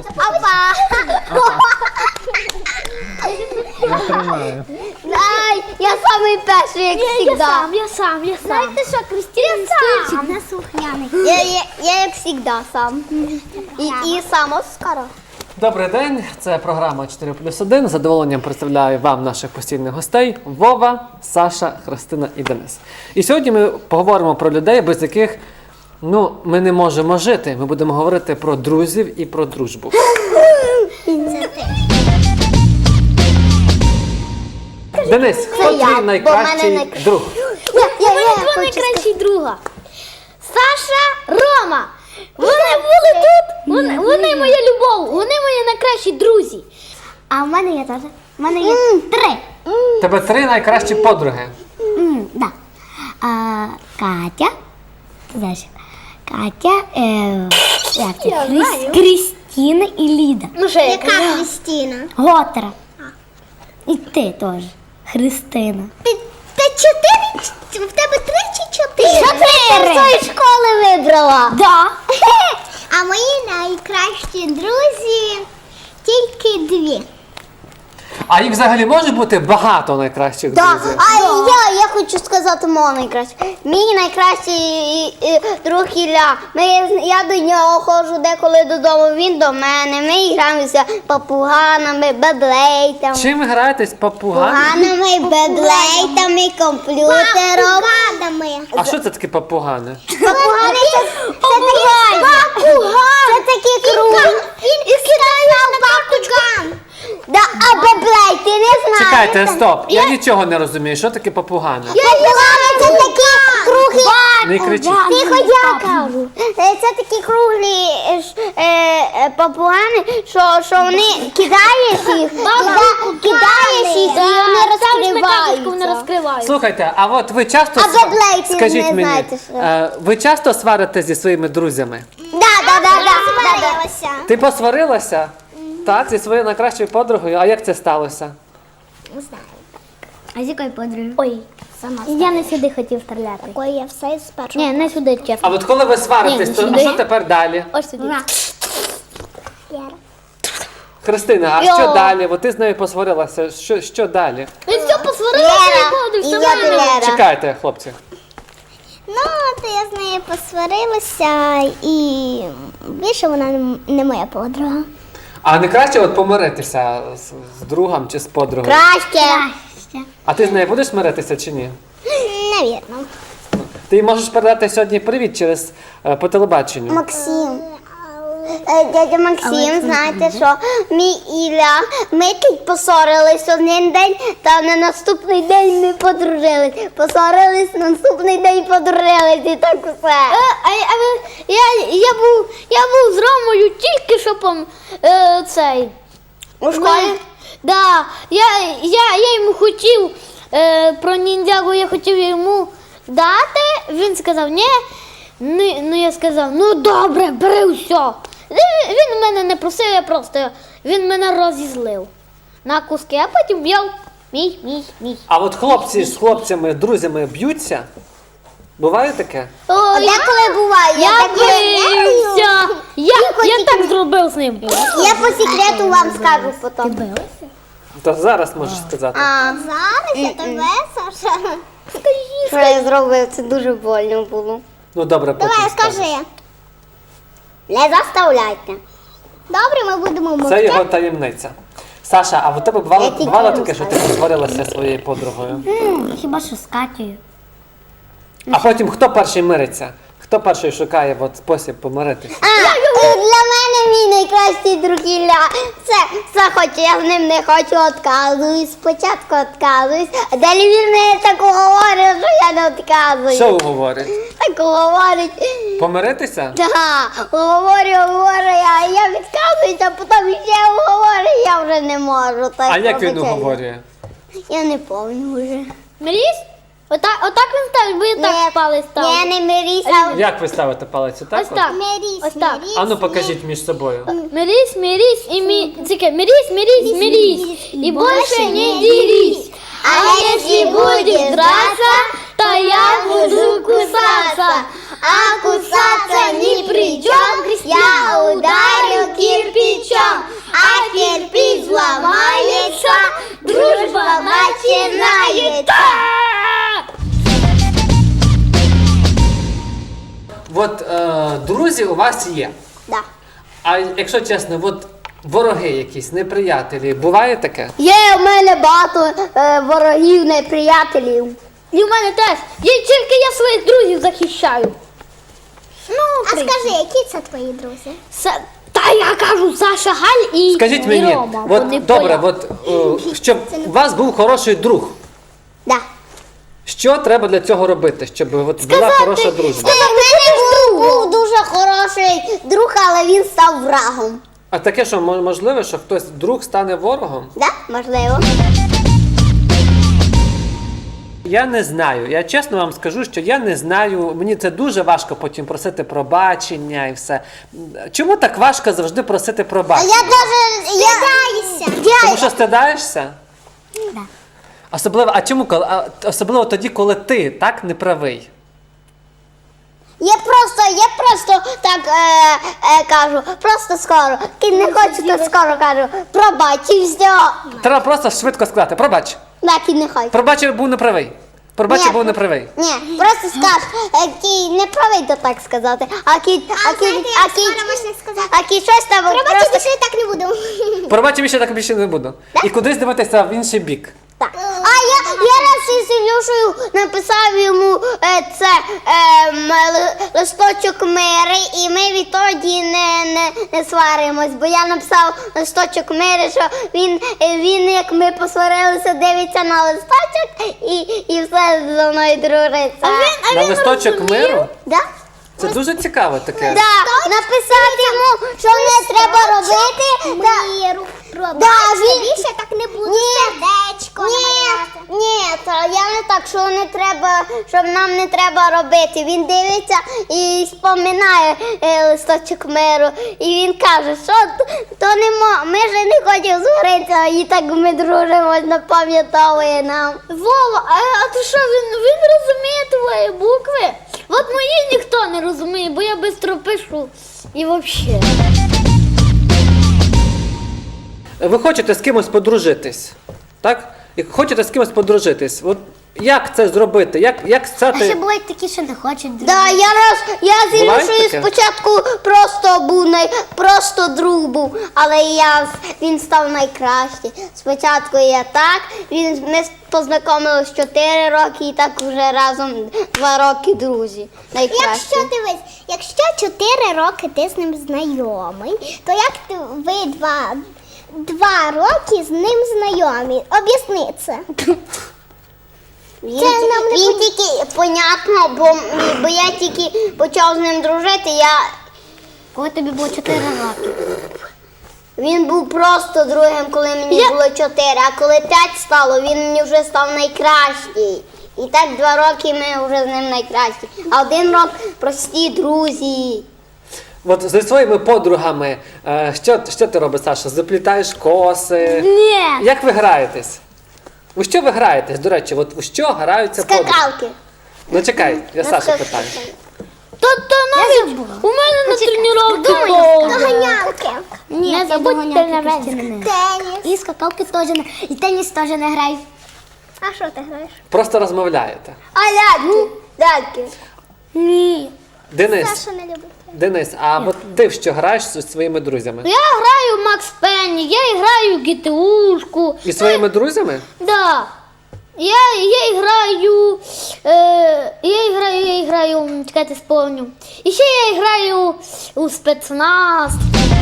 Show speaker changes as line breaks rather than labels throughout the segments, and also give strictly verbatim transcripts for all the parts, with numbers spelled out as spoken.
Опа!
Я тримаю.
Ай, я самий перший, як
Я
завжди.
сам, я сам, я сам.
Знаєте що, Кристина сам.
Не слухняний.
Я, я, я як завжди сам. І, і сам Оскара.
Добрий день, це програма чотири плюс один. З задоволенням представляю вам наших постійних гостей Вова, Саша, Христина і Денис. І сьогодні ми поговоримо про людей, без яких ну, ми не можемо жити. Ми будемо говорити про друзів і про дружбу. Денис, хто
я,
твій
бо в
найкращий
мене найкра-
друг?
Я, я, я,
Два
хочу
найкращі друга. Саша, Рома. Вони були тут. Вони, вони моя любов. Вони мої найкращі друзі.
А в мене є теж. В мене є три.
Тебе три найкращі подруги.
М, да. А, Катя. Знаєш, Катя, е, як це?
Я
Крис-
знаю.
Крістіна і Ліда.
Ну що я кажу?
Крістіна? Готера. І ти теж. Христина.
Ти, ти чотири? В тебе три чи чотири?
Чотири.
Ти з тої школи вибрала.
Да.
А мої найкращі друзі тільки дві.
А їх взагалі може бути багато найкращих
Да.
друзів?
А я, я хочу сказати мого найкращого. Мій найкращий е, друг Ілля. Ми, я до нього ходжу деколи додому, він до мене. Ми граємося папуганами, беблейтами.
Чим ви граєтесь? Папугами?
Папуганами, беблейтами, комп'ютером.
А що це таке папугани?
Папугани це, це такі папуган. Це такі круги. Він кидає папуган. Да, а беблей, ти не знаєш?
Чекайте, стоп. Я нічого не розумію. Що таке папугани?
Папугани це такі круглі.
Не кричіть.
Тихо, я кажу. Е, Це такі круглі е, ж, е, е, папугани, що, що вони кидаєш їх, кида- кидаєш їх і вони
Ставиш на карточку, вони
розкриваються.
розкриваються.
Слухайте, а от ви часто
А
сва-
беблей ти
скажіть
не
мені,
знаєте, що?
е, ви часто сварите зі своїми друзями?
Да, да, да, да, да, да.
Ти посварилася? Так, зі своєю найкращою подругою. А як це сталося?
А з якої подруги?
Ой, я не сюди хотів стріляти.
Ой, я все з першого.
Ні, не сюди,
А
чесно.
от коли ви сваритесь,
Ні,
то а
сюди.
що тепер далі?
Ось сюди.
Христина, а
Йо.
що далі? От ти з нею посварилася. Що, що далі?
Він все посварився і ходив,
і
все
я
мене.
Лера.
Чекайте, хлопці.
Ну, то я з нею посварилася і більше вона не- не моя подруга.
А не краще от помиритися з, з другом чи з подругою?
Краще.
А ти з нею будеш миритися чи ні?
Навірно.
Ти їй можеш передати сьогодні привіт через е, по телебаченню.
Максим. Е, Дядя Максим, знаєте що, мій Ілля, ми тут поссорились один день, та на наступний день ми подружились. Поссорились, на наступний день подружились і так все.
Е, а, а ви- я, я, був, я був з Ромою тільки що пом, е, цей.
У школі?
Да, я, я, я йому хотів е, про ніндзягу, я хотів йому дати. Він сказав, ні. Ну, ну я сказав, ну добре, бери все. Він, він мене не просив, я просто він мене розізлив на куски, а потім взяв мій, мій, мій.
А от хлопці з хлопцями, друзями б'ються? Буває таке?
О,
А
я,
деколи буває, я
я
так
бився. Я, я так зробив з ним.
Я по секрету вам скажу потім.
То зараз можеш сказати.
А зараз я тебе, Саша.
Що я зробив? Це дуже больно було.
Ну добре, потім
Давай,
скажеш.
скажи.
Не заставляйте.
Добре, ми будемо
Це
мовчати.
його таємниця. Саша, а в тебе бувало,
Я тільки
бувало
йому
таке, що ти посварилася зі своєю подругою?
Хіба що з Катєю?
А потім хто перший мириться? Хто перший шукає от, спосіб помиритися?
А, і для мене мій найкращий друг Ілля. Це, це хоч я з ним не хочу, відказуюсь. Спочатку відказуюсь, а далі він мені так говорить, що я не відказуюсь.
Що говорить?
Так говорить.
Помиритися?
Так, говорю, говорю, а я відказуюсь, а потім ще говорю, я вже не можу. Так
А як він
пробачайте.
говорює?
Я не пам'ятаю вже.
Мріс? Отак, отак він ставить, бо я так палець ставлю.
Ні, не миріся.
Як ви ставите палець? Отак?
Ось
от?
так.
Мирісь,
Ось так.
мирісь.
А ну покажіть між собою.
Мирись, мирись и ми... Цикай, мирись, мирись, мирись, и больше не дерись. А если будешь драться, то я буду кусаться.
А кусаться ни при чем, я ударю кирпичом.
от е, друзі у вас є.
Да.
А якщо чесно, от вороги якісь, неприятелі, буває таке?
Є в мене багато е, ворогів, неприятелів.
І в мене теж. Я тільки я своїх друзів захищаю. Ну,
А скажи, які це твої друзі?
Са- Та я кажу, Саша, Галь і,
Скажіть
і
мені,
Рома.
от,
Вони
добре,
поляки.
от, е, щоб у вас був хороший друг.
Да.
Що треба для цього робити, щоб от була
Сказати,
хороша дружба?
У мене був, був дуже хороший друг, але він став врагом.
А таке, що мо- можливо, що хтось друг стане ворогом?
Да? Можливо.
Я не знаю. Я чесно вам скажу, що я не знаю. Мені це дуже важко потім просити пробачення і все. Чому так важко завжди просити
А
пробачення?
я даже... Я...
Тому
Я...
що стидаєшся? Да. Особливо, а чому коли? А, особливо тоді, коли ти так не правий.
Я просто, я просто так е, е, кажу, просто скоро. Кінь не хоче, то скоро кажу, пробач і все.
Треба просто швидко сказати, пробач.
Так, кінь не хоче.
Пробач, я був неправий. Пробач, я
Ні.
був неправий.
Ні, просто скаж, е, кінь не правий то так сказати, а кінь, а кінь,
знаєте,
а
як
кінь,
скоро можна сказати?
а кінь щось там
Пробачте,
просто...
більше так не буду.
Пробач, я більше так більше не буду. І кудись дивитися в інший бік.
Так. А я, я раз із Ілюшею написав йому е, це е, м, ли- листочок мири, і ми відтоді не, не, не сваримось, бо я написав листочок мири, що він, е, він як ми посварилися, дивиться на листочок і, і все зі мною дружиться.
На листочок миру?
Да?
Це дуже цікаво таке.
Да, написати йому, що не треба робити. Да.
Миру. Пробачте,
Да, він-
більше так не буду.
Ні.
Сердечко намалювати.
Ні, ні, то я не так, що не треба, щоб нам не треба робити. Він дивиться і споминає е, листочок миру. І він каже, що то, то не мо, ми ж не хочемо згоритися, і так ми дружимо, напам'ятовує нам.
Вова, а, а ти що, він, він розуміє твої букви? От мої ніхто не розуміє, бо я швидко пишу. І взагалі.
Ви хочете з кимось подружитись, так? І хочете з кимось подружитись. От як це зробити? Як, як
А ще
стати...
бувають такі, що не хочуть.
Да, я раз я з
Буває
Ілюшею
таке?
спочатку просто був най, просто друг був, але я з- він став найкращий. Спочатку я так, він ми познайомилися чотири роки і так вже разом два роки друзі. Найкращі.
Якщо дивись, якщо чотири роки ти з ним знайомий, то як ти ви два, два роки з ним знайомі? Об'ясни це.
Він,
Це
ті-
нам не
він
пон-
тільки понятно, бо, бо я тільки почав з ним дружити. Я
Коли тобі було чотири роки.
Він був просто другим, коли мені
Я-
було чотири, а коли п'ять стало, він мені вже став найкращий. І так два роки ми вже з ним найкращі. А один рок прості друзі.
От зі своїми подругами, е, що, що ти робиш, Саша? Заплітаєш коси?
Ні.
Як ви граєтесь? У що ви граєтесь, до речі, от у що граються подруги?
Скакалки.
Ну чекай, я
Ну,
Сашу
скак-
питаю.
То, то навіть у мене на тренування
Доганялки. Ні,
Не забудьте на мене.
Теніс. І скакалки теж не. І теніс теж не граю. А що ти граєш?
Просто розмовляєте.
А ляльки? Ляльки.
Ні.
Денис,
Саша не любить.
Денис, а от ти в що граєш зі своїми друзями?
Я граю в Макс Пенні, я граю в ГТУшку.
І своїми друзями?
Да. Я, я граю, е, я граю, я граю, чекайте, сповню. І ще я граю у спецназ.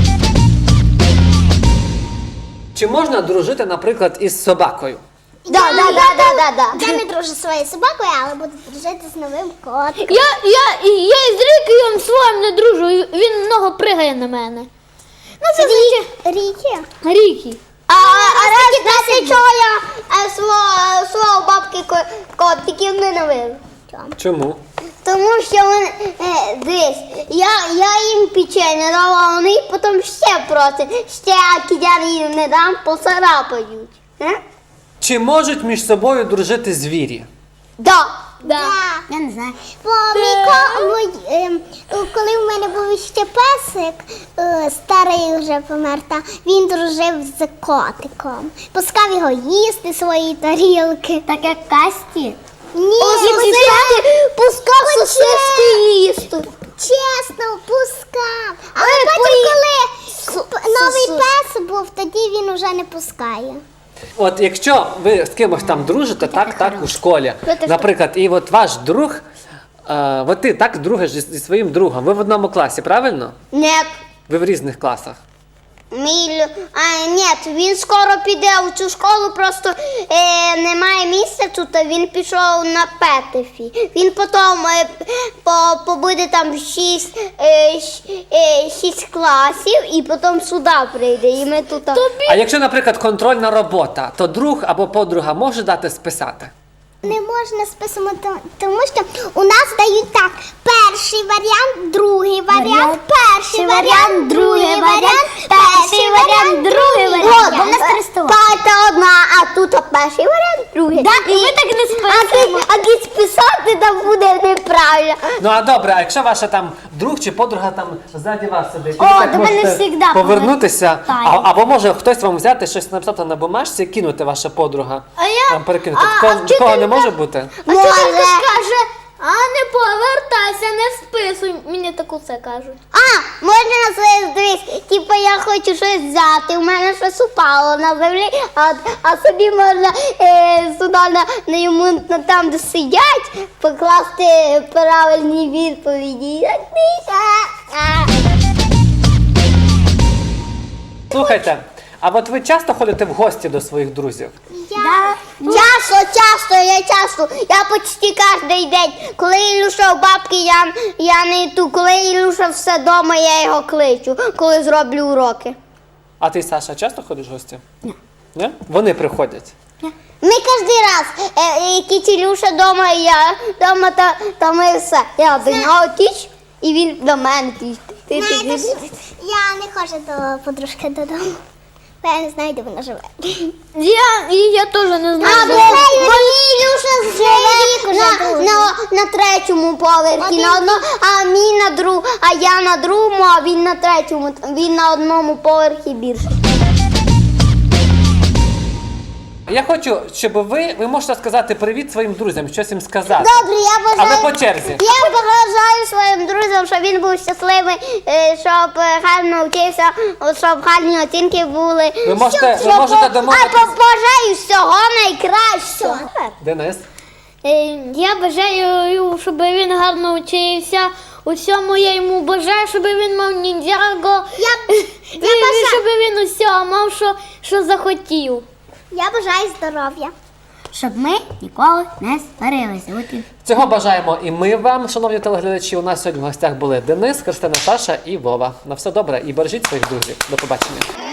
Чи можна дружити, наприклад, із собакою?
Да, да, да, да, да, да.
Я не дружу зі своєю собакою, але буду дружити з новим котом.
Я, я, і- я із Рікієм своїм не дружу, і він много пригає на мене. Ну це звичайно.
Ріки.
Рікі.
А, а раз, знаєте, чого я е, свого, свого бабки ко- котиків ненавижу?
Чому?
Тому що вони, е, дивись, я, я їм печення дала, а вони потім ще просять, ще кидя їм не дам, поцарапають. Е?
Чи можуть між собою дружити звірі?
Да.
Да.
Я не знаю. Бо мій ко, мій, ем, коли в мене був ще песик, е, старий вже помер, та він дружив з котиком. Пускав його їсти свої тарілки. Так як Касті? Ні,
Пускав сосиски їсти.
знаю.
От якщо ви з кимось там дружите, так, так, у школі, наприклад, і от ваш друг, е, от ти так дружиш зі, зі своїм другом, ви в одному класі, правильно?
Ні.
Ви в різних класах.
Мій, лю- а, ні, він скоро піде у цю школу, просто е, немає місця тут, а він пішов на Петефі. Він потім е, по, побуде там шість, е, щ- е, шість класів і потім сюди прийде. І ми тут.
А якщо, наприклад, контрольна робота, то друг або подруга може дати списати?
Не можна списувати, тому що у нас дають так: перший варіант, другий варіант, перший варіант, другий варіант, перший варіант, другий варіант.
Бо в нас Парта одна, а тут перший варіант, другий.
Да, і ми так не
А ти, а ти списати там буде неправильно.
Ну а добре, а якщо ваша там друг чи подруга там ззаді вас сидить,
О,
ви так
до мене
можете
всегда
повернутися, а,
повертають.
або може хтось вам взяти щось написати на бумажці і кинути ваша подруга.
А я-
Там перекинути.
а-
Такого,
а
такого не
вчителька-
може бути?
А вчителька ж каже, а не повертайся, не списуй. Мені таку це кажуть.
А, можна на своє дивись, типу я хочу щось взяти, у мене щось упало на землі, а, а собі можна е, сюди на, на йому на там, де сидять, покласти правильні відповіді.
Слухайте, а от ви часто ходите в гості до своїх друзів?
Я
Часто, часто, я часто, я почти кожен день. Коли Ілюша в бабки, я, я не йду. Коли Ілюша все вдома, я його кличу, коли зроблю уроки.
А ти, Саша, часто ходиш в гості? Ні. Ні? Вони приходять.
Ми кожен раз, е, е, кіт Ілюша вдома, і я вдома, та, та ми все. Я до нього тіч, і він до мене тіч. Ти, ти,
знаєте,
ти,
що
ти.
я не ходжу до подружки додому. Бо я не знаю, де вона живе.
Я, і я теж не
А,
знаю.
бо, бо Ілюша живе на, на, на третьому поверхі, на одно, а мій на друг, а я на другому, а він на третьому, він на одному поверхі більше.
Я хочу, щоб ви, ви можете сказати привіт своїм друзям, щось їм сказати.
Добре, я бажаю.
Але по черзі.
Я бажаю своїм друзям, щоб він був щасливий, е, щоб е, гарно вчився, щоб гарні оцінки були.
Ви можете- ви
Щоб-
можете
А
домовитись.
побажаю всього найкращого.
Денис?
Е, Я бажаю, щоб він гарно вчився. Усьому я йому бажаю, щоб він мав ніндзяго.
Я,
І,
я,
і
бажаю,
щоб він усього мав, що, що захотів.
я бажаю здоров'я.
Щоб ми ніколи не сварилися.
Цього бажаємо і ми вам, шановні телеглядачі. У нас сьогодні в гостях були Денис, Христина, Саша і Вова. На все добре і бережіть своїх друзів. До побачення.